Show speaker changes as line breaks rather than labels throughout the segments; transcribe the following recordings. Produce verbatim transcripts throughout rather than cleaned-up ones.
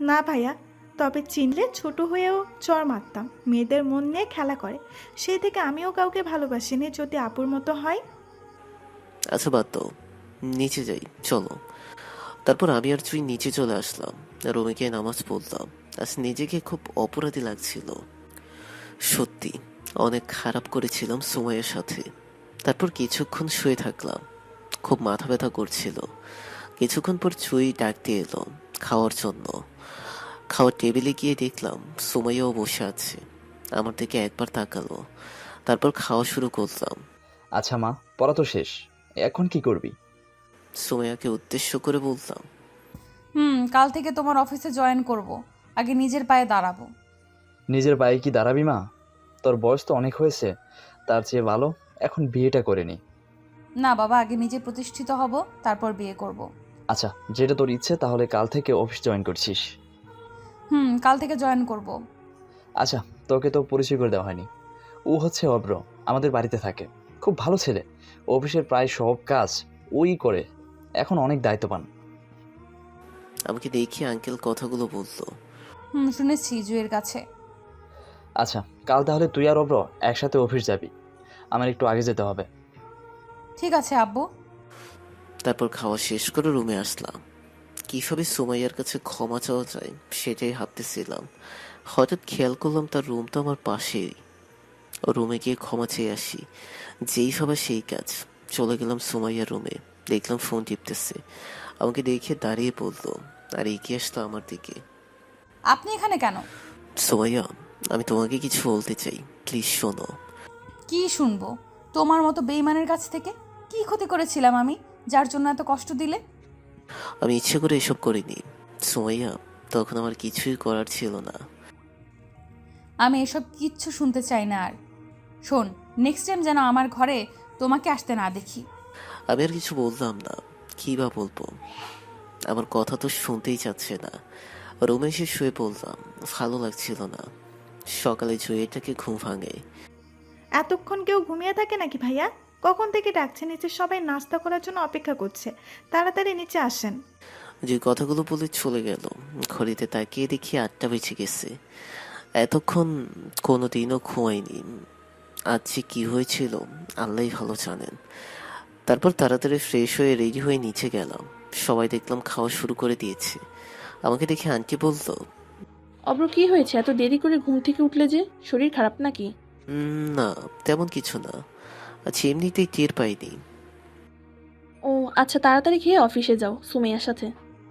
না ভাইয়া, তবে চিনলে ছোট হয়েও চর মারতাম। মেয়েদের মন নিয়ে খেলা করে, সেই থেকে আমিও কাউকে ভালোবাসিনি যদি আপুর মতো হয়।
আচ্ছা বাদ দাও, নিচে যাই চলো। তারপর আমি আর তুই নিচে চলে আসলাম। রুমে গিয়ে নামাজ পড়লাম। আজ নিজেকে খুব অপরাধী লাগছিল। সত্যি অনেক খারাপ করেছিলাম সময়ের সাথে। তারপর কিছুক্ষণ শুয়ে থাকলাম। খুব মাথা ব্যথা করছিল। কিছুক্ষণ পর চুই ডাকতে এলো খাওয়ার জন্য। খাওয়ার টেবিলে গিয়ে দেখলাম সুমাইয়াও বসে আছে। আমার দিকে একবার তাকালো, তারপর খাওয়া শুরু করলাম।
আচ্ছা মা, পড়া তো শেষ, এখন কি করবি?
সুমাইয়াকে উদ্দেশ্য করে বললাম,
হুম, কাল থেকে তোমার অফিসে জয়েন করব। আগে নিজের পায়ে দাঁড়াবো।
নিজের পায়ে কি দাঁড়াবি মা? তোর বয়স তো অনেক হয়েছে, তার চেয়ে ভালো এখন বিয়েটা করে নি।
না বাবা, আগে নিজে প্রতিষ্ঠিত হব, তারপর বিয়ে করব।
আচ্ছা, যেটা তোর ইচ্ছে, তাহলে কাল থেকে অফিস জয়েন করছিস।
হুম, কাল থেকে জয়েন করব।
আচ্ছা, তোকে তো পরিচয় করে দেওয়া হয়নি। ও হচ্ছে অব্র, আমাদের বাড়িতে থাকে। খুব ভালো ছেলে। অফিসের প্রায় সব কাজ ওই করে। এখন অনেক দায়িত্ববান।
আমাকে দেখি আঙ্কেল কথাগুলো বললো।
হুম, শুনেছি জুয়ের কাছে।
আচ্ছা, কাল তাহলে তুই আর অব্র একসাথে অফিস যাবি। আমার একটু আগে যেতে হবে।
ঠিক আছে আব্বু।
তারপর খাওয়া শেষ করে রুমে আসলাম। কিভাবে সুমাইয়ার কাছে ক্ষমা চাওয়া যায় সেটাই ভাবতেছিলাম। হঠাৎ খেয়াল করলাম তার রুম তো আমার পাশেই। ও রুমে গিয়ে ক্ষমা চেয়ে আসি। যেই ভাবা সেই কাজ। চলে গেলাম সুমাইয়ার রুমে। দেখলাম ফোন টিপতেছে। আমাকে দেখে দাঁড়িয়ে পড়লো আর এগিয়ে আসলো আমার দিকে।
আপনি এখানে কেন?
সুমাইয়া, আমি তোমাকে কিছু বলতে চাই, প্লিজ শোনো।
কি শুনবো তোমার মতো বেইমানের কাছ থেকে? কি ক্ষতি করেছিলাম আমি, যার জন্য এত কষ্ট দিলে?
আমি ইচ্ছে করে এসব করিনি সুমাইয়া, তখন আমার কিছুই করার ছিল না।
আমি এসব কিচ্ছু শুনতে চাই না আর। শোন, নেক্সট টাইম যেন আমার ঘরে তোমাকে আসতে না দেখি।
আমি আর কিছু বললাম না। কি বা বলবো, আমার কথা তো শুনতেই চাচ্ছে না। রুমে এসে শুয়ে পড়লাম। ভালো লাগছিল না। সকালে জুয়েটাকে ঘুম ভাঙে।
এতক্ষণ কেউ ঘুমিয়ে থাকে নাকি ভাইয়া? কখন থেকে ডাকছে, নিচে সবাই নাস্তা করার জন্য অপেক্ষা করছে, তাড়াতাড়ি নিচে আসেন।
যে কথাগুলো বলে চলে গেল। ঘড়িতে তাকিয়ে দেখি আটটা বেজে গেছে। এতক্ষণ কোনোদিনও ঘুমাইনি। আজ যে কি হয়েছিল আল্লাহই ভালো জানেন। তারপর তাড়াতাড়ি ফ্রেশ হয়ে রেডি হয়ে নিচে গেলাম। সবাই দেখলাম খাওয়া শুরু করে দিয়েছে। আমাকে দেখে আন্টি বলল,
অব্র, কি হয়েছে? এত দেরি করে ঘুম থেকে উঠলে যে? শরীর খারাপ নাকি?
"উম, না, তেমন কিছু না। আচ্ছা এমনিতেই টের পাইনি।"
ও আচ্ছা, তাড়াতাড়ি খেয়ে অফিসে যাও সুমাইয়ার সাথে।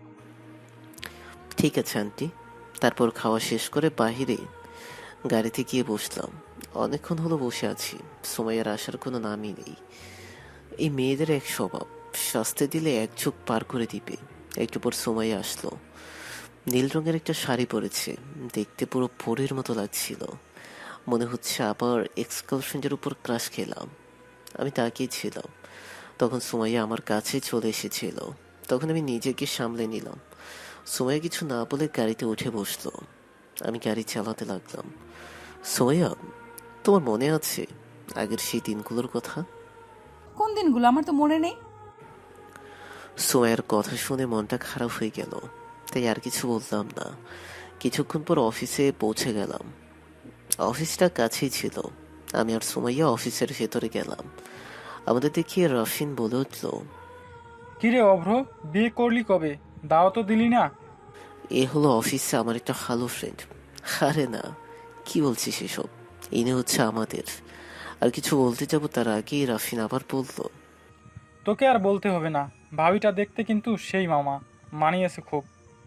ঠিক আছে আন্টি। তারপর খাওয়া শেষ করে বাহিরে গাড়িতে গিয়ে বসলাম। অনেকক্ষণ হলো বসে আছি। সুমাইয়ার আসার কোনো নামই নেই। এই মেয়েদের এক স্বভাব, শাস্তি দিলে এক চোখ পার করে দিবে। একটু পর সুমাইয়া আসলো। নীল রঙের একটা শাড়ি পরেছে। দেখতে পুরো পরীর মতো লাগছিল। মনে হচ্ছে আবার এক্স গার্লফ্রেন্ডের উপর ক্রাশ খেলাম। আমি তাকিয়েছিলাম। তখন সুমাইয়া আমার কাছে চলে এসেছিল। তখন আমি নিজেকে সামলে নিলাম। সুমাইয়া কিছু না বলে গাড়িতে উঠে বসলো। আমি গাড়ি চালাতে লাগলাম। সুমাইয়া, তোমার মনে আছে আগের সেই দিনগুলোর কথা?
কোন দিনগুলো? আমার তো মনে নেই।
সুমাইয়ার কথা শুনে মনটা খারাপ হয়ে গেল। তাই আর কিছু বললাম না। কিছুক্ষণ পর অফিসে পৌঁছে গেলাম। অফিসটা কাছেই ছিল। আমি আর সুমাইয়া অফিসের ভেতরে গেলাম। আমাদের দেখিয়ে রফিন বলে উঠল,
কিরে অভ্র, বিয়ে করলি কবে? দাও তো দিলি না।
এ হলো অফিসে আমার একটা ভালো ফ্রেন্ড। আরে না, কি বলছিস এসব? ইনি হচ্ছে আমাদের। আর কিছু বলতে যাব তার আগেই রাফিন আবার বলল,
তোকে আর বলতে হবে না, ভাবিটা দেখতে কিন্তু সেই মামা, মানিয়েছে খুব।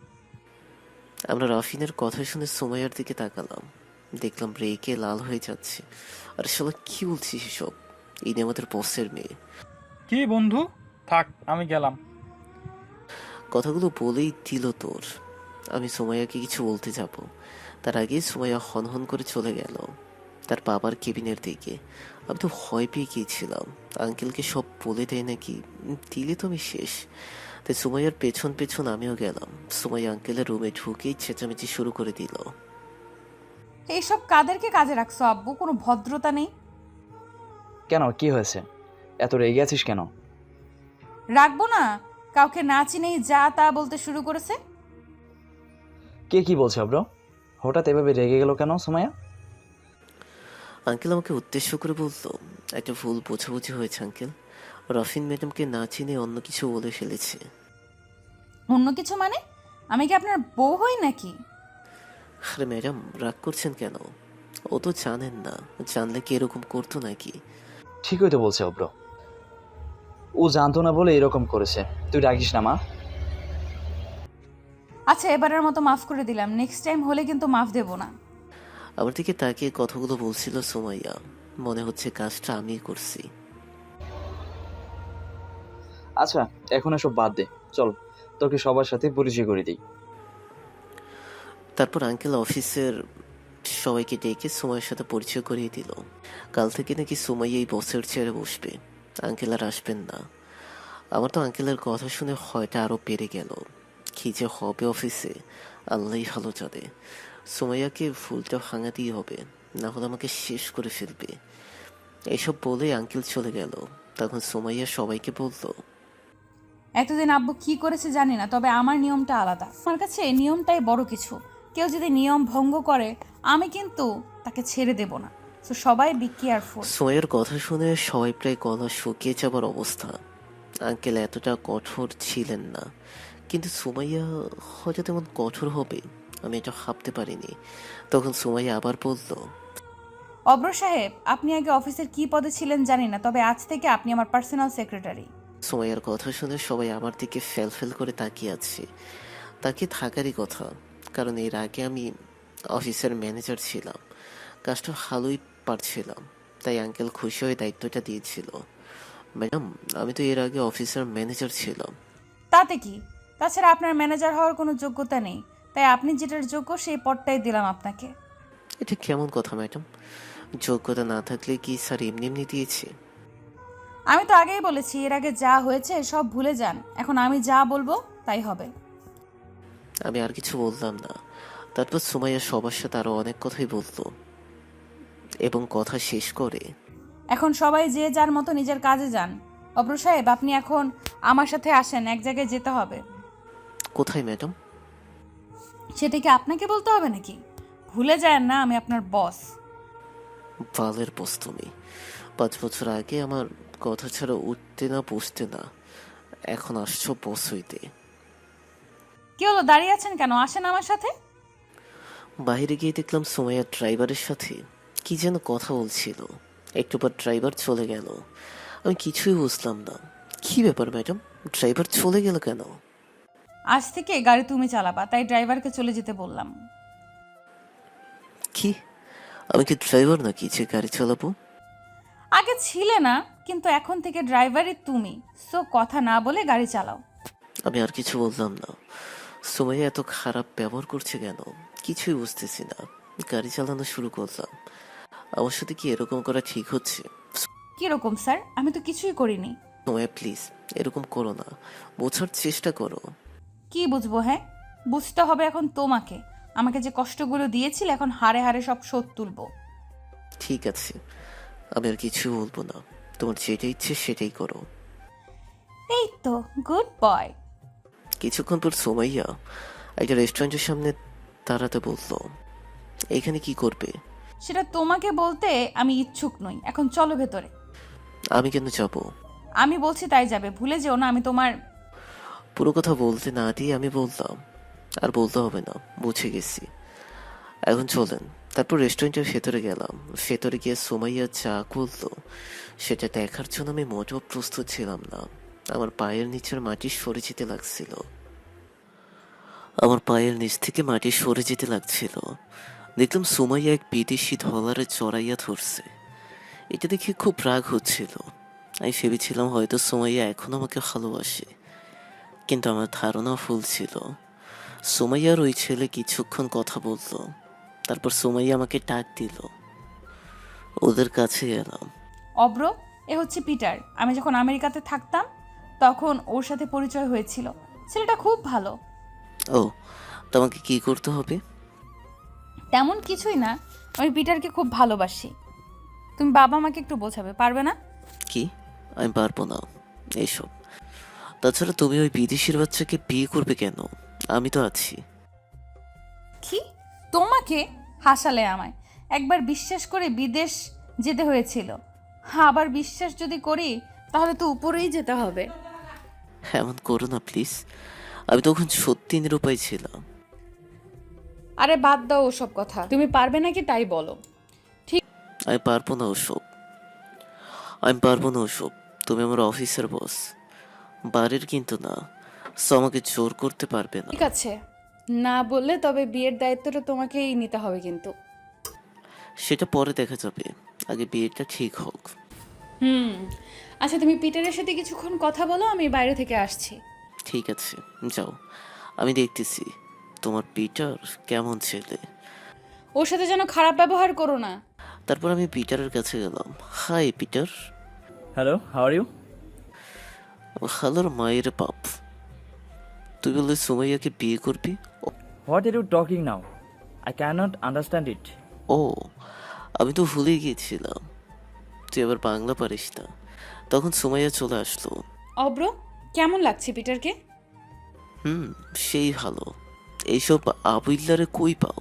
আমরা রাফিনের কথা শুনে সুমাইয়ার দিকে তাকালাম। দেখলাম রেগে লাল হয়ে যাচ্ছে। আর শালা কি বলছিস এসব? ইনি আমাদের বসের মেয়ে।
কি বন্ধু, থাক আমি গেলাম।
কথাগুলো বলেই দিল তোর। আমি সুমাইয়াকে কিছু বলতে যাব, তার আগেই সুমাইয়া হনহন করে চলে গেল তার বাবার কেবিনের দিকে। আমি তো ভয় পেয়ে গিয়েছিলাম আঙ্কেলকে সব বলে দেয় নাকি। উম, দিলে তো আমি শেষ। তাই সুমাইয়ার পেছন পেছন আমিও গেলাম। সুমাইয়া আঙ্কেলের রুমে ঢুকেই চেঁচামেচি শুরু করে দিল।
এইসব কাদেরকে কাজে রাখছো আব্বু? কোনো ভদ্রতা নেই।
কেন, কি হয়েছে? এত রেগে আছিস কেন?
রাখবো না? কাউকে না চিনেই যা তা বলতে শুরু করেছে।
কে কি বলছে অব্র? হঠাৎ এভাবে রেগে গেল কেন সুমাইয়া?
আঙ্কেল আমাকে উদ্দেশ্য করে বলল, একটা ভুল বোঝাবুঝি হয়েছে আঙ্কেল। রফিন ম্যাডামকে না চিনে অন্য কিছু বলে ফেলেছে।
অন্য কিছু মানে? আমি কি আপনার বউ হই নাকি?
আরে ম্যাডাম রাগ করছেন কেন? ও তো জানেন না, জানলে কি এরকম করতো নাকি?
ঠিকই তো বলছে অব্র, ও জানতো না বলে এরকম করেছে। তুই রাখিস না মা।
আচ্ছা, এবারের মতো মাফ করে দিলাম, নেক্সট টাইম হলে কিন্তু মাফ দেব না।
আমার দিকে তাকিয়ে কথাগুলো বলছিল সুমাইয়া। মনে হচ্ছে কাজটা আমিই করছি।
আচ্ছা এখন এসব বাদ দে, চল তোকে সবার সাথে পরিচয় করে দিই।
তারপর আঙ্কেল অফিসের সবাইকে ডেকে সুমাইয়ের সাথে পরিচয় করিয়ে দিল। কাল থেকে নাকি সুমাইয়া এই বসের চেয়ারে বসবে, আঙ্কেল আর আসবেন না। আমার তো আঙ্কেলের কথা শুনে হয়তো আরও বেড়ে গেল। কি যে হবে অফিসে আল্লাহই ভালো জানে। সুমাইয়াকে ভুলটা ভাঙাতেই হবে, না হলে আমাকে শেষ করে ফেলবে। এসব বলে আঙ্কেল চলে গেল। তখন সুমাইয়া সবাইকে বলল,
এতদিন আব্বু কি করেছে জানি না, তবে আমার নিয়মটা আলাদা। আমার কাছে এই নিয়মটাই বড় কিছু। কেউ যদি নিয়ম ভঙ্গ করে আমি কিন্তু তাকে ছেড়ে দেব না। তো সবাই বি কেয়ারফুল।
সুমাইয়ার কথা শুনে সবাই প্রায় গলা শুকিয়ে যাবার অবস্থা। আঙ্কেল এতটা কঠোর ছিলেন না, কিন্তু সুমাইয়া হয়তো তেমন কঠোর হবে আমি এটা ভাবতে পারিনি। তখন সুমাইয়া আবার বলল,
অব্র সাহেব, আপনি আগে অফিসের কি পদে ছিলেন জানি না, তবে আজ থেকে আপনি আমার পার্সোনাল সেক্রেটারি।
সুমাইয়ার কথা শুনে সবাই আমার দিকে ফেল ফেল করে তাকিয়ে আছে। তাকিয়ে থাকারই কথা, কারণ এর আগে আমি অফিসের ম্যানেজার ছিলাম, কাজটা ভালোই পারছিলাম, তাই আঙ্কেল খুশি হয়ে দায়িত্বটা দিয়েছিল। ম্যাডাম আমি তো এর আগে অফিসের ম্যানেজার ছিলাম।
তাতে কি? তাছাড়া আপনার ম্যানেজার হওয়ার কোনো যোগ্যতা নেই, তাই আপনি যেটার যোগ্য সেই পদটাই দিলাম আপনাকে।
এটা কেমন কথা ম্যাডাম? যোগ্যতা না থাকলে কি স্যার এমনি এমনি দিয়েছে?
আমি তো আগেই বলেছি, এর আগে যা হয়েছে সব ভুলে যান, এখন আমি যা বলবো তাই হবে।
আমি আর কিছু বললাম না। তারপর সুমাইয়া সবার সাথে আরো অনেক কথাই বলতো এবং কথা শেষ করে,
এখন সবাই যে যার মতো নিজের কাজে যান। অব্র সাহেব, আপনি এখন আমার সাথে আসেন, এক জায়গায় যেতে হবে।
কোথায় ম্যাডাম?
সেটা কি আপনাকে বলতে হবে নাকি? ভুলে যায় না আমি আপনার বস।
বালের বস তুমি। পাঁচ বছর আগে আমার কথা ছাড়া উঠতে না বসতে না, এখন আসছো বস হইতে।
কি হলো, দাঁড়িয়ে আছেন কেন? আসেন আমার সাথে।
বাইরে গিয়ে দেখলাম সুমাইয়া ড্রাইভারের সাথে কি যেন কথা বলছিল। একটু পর ড্রাইভার চলে গেল। আমি কিছুই বুঝলাম না। কি ব্যাপার ম্যাডাম, ড্রাইভার চলে গেল কেন?
আজ থেকে গাড়ি তুমি চালাবা, তাই ড্রাইভারকে চলে যেতে বললাম।
কি, আমি কি ড্রাইভার নাকি যে গাড়ি চালাবো?
আগে ছিলে না, কিন্তু এখন থেকে ড্রাইভারই তুমি। সো কথা না বলে গাড়ি চালাও।
আমি আর কিছু বললাম না। সুমাইয়া এত খারাপ ব্যবহার করছে কেন কিছুই বুঝতেছি না। গাড়ি চালানো শুরু করলাম। আমার সাথে কি এরকম করা ঠিক হচ্ছে?
কিরকম স্যার? আমি তো কিছুই করিনি।
সুমাইয়া প্লিজ এরকম করো না, বোঝার চেষ্টা করো।
কি বুঝবো? হ্যাঁ, বুঝতে হবে এখন তোমাকে। আমাকে যে কষ্টগুলো দিয়েছিল, এখন হারে হারে সব শোধ তুলবো।
ঠিক আছে, আমি আর কিছু বলবো না। তোমার যেটা ইচ্ছে সেটাই করো।
এই তো গুড বয়।
কিছুক্ষণ পর সুমাইয়া একটা রেস্টুরেন্টের সামনে দাঁড়াতে বললো, এখানে কি করবে?
সেটা তোমাকে বলতে আমি ইচ্ছুক নই। এখন চলো ভেতরে।
আমি কেন যাব?
আমি বলছি তাই যাবে, ভুলে যেও না আমি তোমার।
পুরো কথা বলতে না দিয়ে আমি বললাম, আর বলতে হবে না, বুঝে গেছি, এখন চলেন। তারপর রেস্টুরেন্টের ভেতরে গেলাম। ভেতরে গিয়ে সুমাইয়া চা করলো সেটা দেখার জন্য আমি মোটেও প্রস্তুত ছিলাম না। আমার পায়ের নিচের মাটি সরে যেতে লাগছিল। আমার পায়ের নিচ থেকে মাটি সরে যেতে লাগছিল। দেখলাম সুমাইয়া এক বিদেশি ডলারে চড়াইয়া ধরছে। এটা দেখে খুব রাগ হচ্ছিল। আমি ভেবেছিলাম হয়তো সুমাইয়া এখন আমাকে ভালোবাসে, কিন্তু আমার ধারণা ভুল ছিল। সুমাইয়ার ওই ছেলে কিছুক্ষণ কথা বলল, তারপর সুমাইয়া আমাকে ডাক দিল। ওদের কাছে গেলাম।
অব্র, এ হচ্ছে পিটার। আমি যখন আমেরিকাতে থাকতাম তখন ওর সাথে পরিচয় হয়েছিল। ছেলেটা খুব ভালো।
ও, তোমাকে কি করতে হবে?
তেমন কিছুই না, আমি পিটারকে খুব ভালোবাসি। তুমি বাবা মাকে একটু বোঝাবে, পারবে না?
কি? আমি পারবো না এইসব। তাছাড়া তুমি ওই বিদেশির বাচ্চাকে বিয়ে করবে কেন? আমি তো আছি।
কি তোমাকে হাসালে আমায়? একবার বিশ্বাস করে বিদেশ যেতে হয়েছিল, আবার বিশ্বাস যদি করি তাহলে তো উপরেই যেতে হবে।
এমন করো না প্লিজ, আমি তখন সত্যি নিরুপায় ছিলাম।
আরে বাদ দাও ওসব কথা, তুমি পারবে নাকি তাই বলো।
আমি পারবো না ওসব, আমি পারবো না ওসব। তুমি আমার অফিসের বস, বাড়ির কিন্তু না। সো আমাকে জোর করতে পারবে না।
ঠিক আছে, না বললে তবে বিয়ের দায়িত্বটা তোমাকেই নিতে হবে কিন্তু।
সেটা পরে দেখা যাবে, আগে বিয়েটা ঠিক হোক।
হুম, আচ্ছা তুমি পিটারের সাথে কিছুক্ষণ কথা বলো, আমি বাইরে থেকে আসছি।
ঠিক আছে, যাও, আমি দেখতেছি তোমার পিটার কেমন ছেলে।
ওর সাথে যেন খারাপ ব্যবহার করো না।
তারপর আমি পিটারের কাছে গেলাম। Hi Peter.
Hello, how are you?
হ্যালোর মায়ের বাপ, তুই বললে সুমাইয়াকে বিয়ে করবি?
What are you talking now? I can't understand it.
ও, আমি তো ভুলে গিয়েছিলাম তুই আবার বাংলা পারিস না। তখন সুমাইয়া চলে আসলো।
অব্র, কেমন লাগছে পিটারকে?
হুম, সেই ভালো। এইসব আবুল্লারে কই পাও?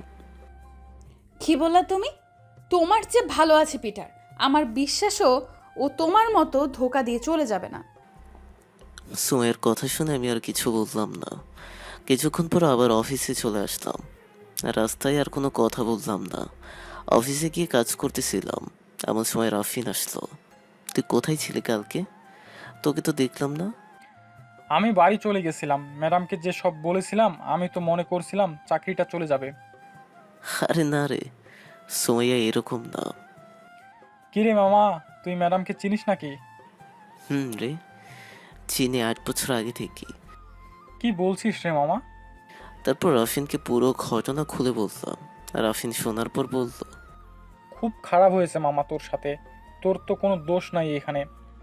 কি বললা তুমি? তোমার যে ভালো আছে পিটার, আমার বিশ্বাসও ও তোমার মতো ধোকা দিয়ে চলে যাবে না।
সুমাইয়ার কথা শুনে আমি আর কিছু বললাম না। কিছুক্ষণ পর আবার অফিসে চলে আসলাম। রাস্তায় আর কোনো কথা বললাম না। অফিসে গিয়ে কাজ করতেছিলাম, এমন সময় রাফিন আসলো। তুই কোথায় ছিলি কালকে? তোকে তো দেখলাম না।
আমি বাড়ি চলে গেছিলাম, ম্যাডামকে যে সব বলেছিলাম আমি তো মনে করছিলাম চাকরিটা চলে যাবে।
আরে না রে, সুমাইয়া এরকম না।
কিরে মামা, তুই ম্যাডামকে চিনিস নাকি?
হুম রে, চিনি, আট বছর আগে থেকে।
কি বলছিস রে মামা?
তারপর রাফিনকে পুরো ঘটনা খুলে বললাম। রাফিন শোনার পর বলল,
খুব খারাপ হয়েছে মামা তোর সাথে, তোর তো কোনো দোষ নাই এখানে।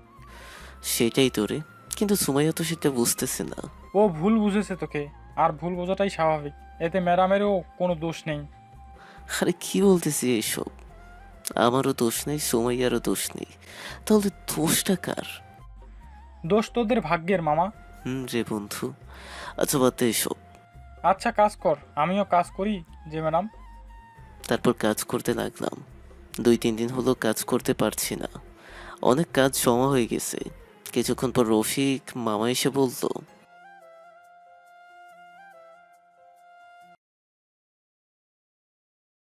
সেটাই তো রে, কিন্তু সুমাইয়া তো সেটা বুঝতেছে না।
ও ভুল বুঝেছে তোকে, আর ভুল বোঝাটাই স্বাভাবিক, এতে ম্যাডামেরও কোনো দোষ নেই।
আরে কি বলতেছি এইসব? আমারও দোষ নেই, সুমাইয়ারও দোষ নেই, তাহলে দোষটা কার?
দোষ তোদের ভাগ্যের মামা।
হুম রে বন্ধু। আচ্ছা বাদ দে এসব।
আচ্ছা কাজ কর, আমিও কাজ করি যে ম্যাডাম।
তারপর কাজ করতে লাগলাম। দুই তিন দিন হলো কাজ করতে পারছি না, অনেক কাজ জমা হয়ে গেছে। কিছুক্ষণ পর রফিক মামা এসে বলল,